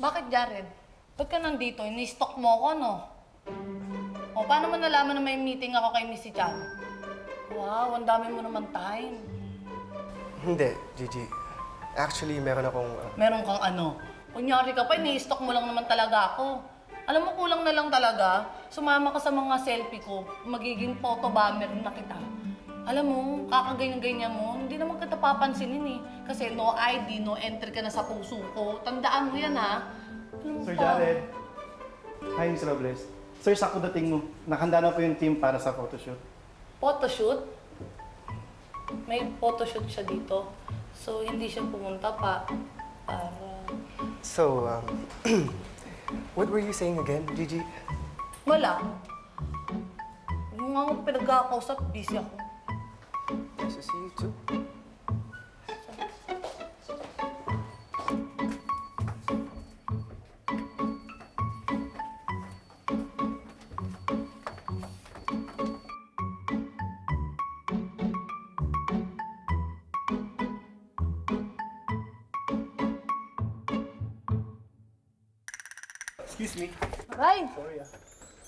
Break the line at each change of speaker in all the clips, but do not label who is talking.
Bakit, Jared? Ba't ka nandito? Ini-stalk mo ako, no? O, paano mo nalaman na may meeting ako kay Missy Chan? Wow, ang dami mo naman time.
Hindi, Gigi. Actually, meron akong...
Meron kang ano? Kunyari ka pa, ini-stalk mo lang naman talaga ako. Alam mo, kulang na lang talaga. Sumama ka sa mga selfie ko, magiging photo bomber na kita. Alam mo, kakaganyan-ganyan mo, hindi naman kita papansinin eh. Kasi no ID, no entry ka na sa puso ko. Tandaan mo yan, ha? Alam mo
Sir
pa.
Jared. Hi, Miss Robles. Sir, sakto dating mo. Nakahanda na po yung team para sa photoshoot.
Photoshoot? May photoshoot siya dito. So, hindi siya pumunta pa. Para...
So, what were you saying again, Gigi?
Wala. Yung nga akong pinagkakausap, busy ako.
Nice to see you too.
Excuse me.
Aray!
Sorry ah.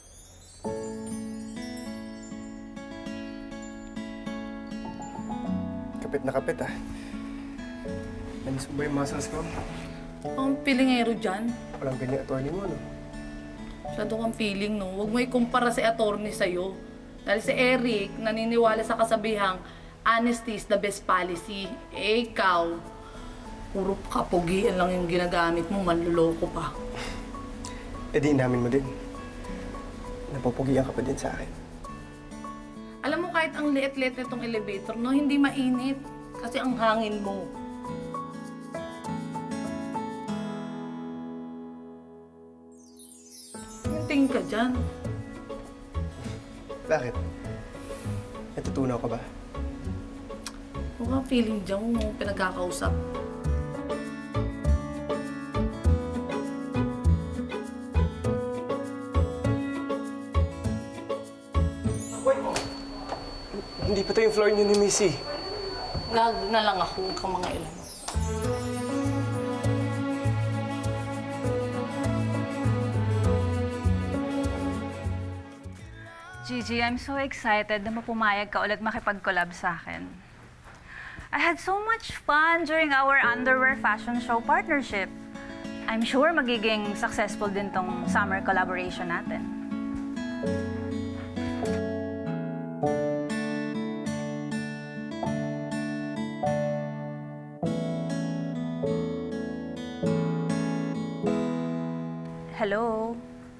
Kapit na kapit ah. Namis mo ba yung muscles ko?
Ang pilingero dyan.
Walang ganyan attorney mo, no?
Masyado kang feeling, no? Huwag mo ikumpara si attorney sa'yo. Dahil si Eric, naniniwala sa kasabihang, honesty is the best policy. Eh, ikaw, puro kapugian lang yung ginagamit mo, manluloko pa.
Eh di inamin mo din. Napupugian ka pa din sa akin.
Alam mo, kahit ang liit-liit nitong elevator, no, hindi mainit. Kasi ang hangin mo. Tingin ka dyan.
Bakit? Natutunaw ka ba?
Huwag kang feeling dyan mo pinagkakausap.
Hindi pa to yung floor niyo ni Missy.
Gag na lang ako kang mga ilan.
Gigi, I'm so excited na mapumayag ka ulit makipag-collab sa akin. I had so much fun during our underwear fashion show partnership. I'm sure magiging successful din tong summer collaboration natin. Hello?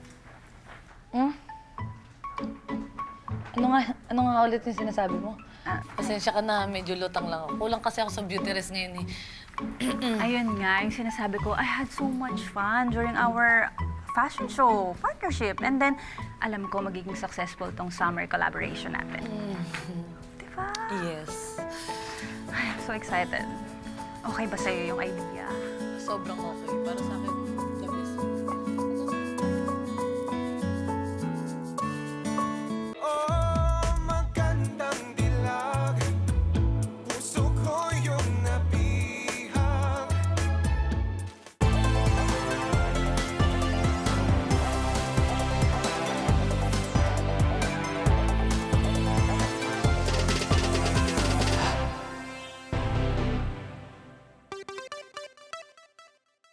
Ano nga ulit yung sinasabi mo?
Ah.
Pasensya ka na, medyo lutang lang ako. Kulang kasi ako sa beauty rest ngayon eh.
Ayun nga, yung sinasabi ko, I had so much fun during our fashion show partnership. And then, alam ko magiging successful tong summer collaboration natin. Diba?
Yes.
I'm so excited. Okay ba sa'yo yung idea?
Sobrang okay. Para sa akin,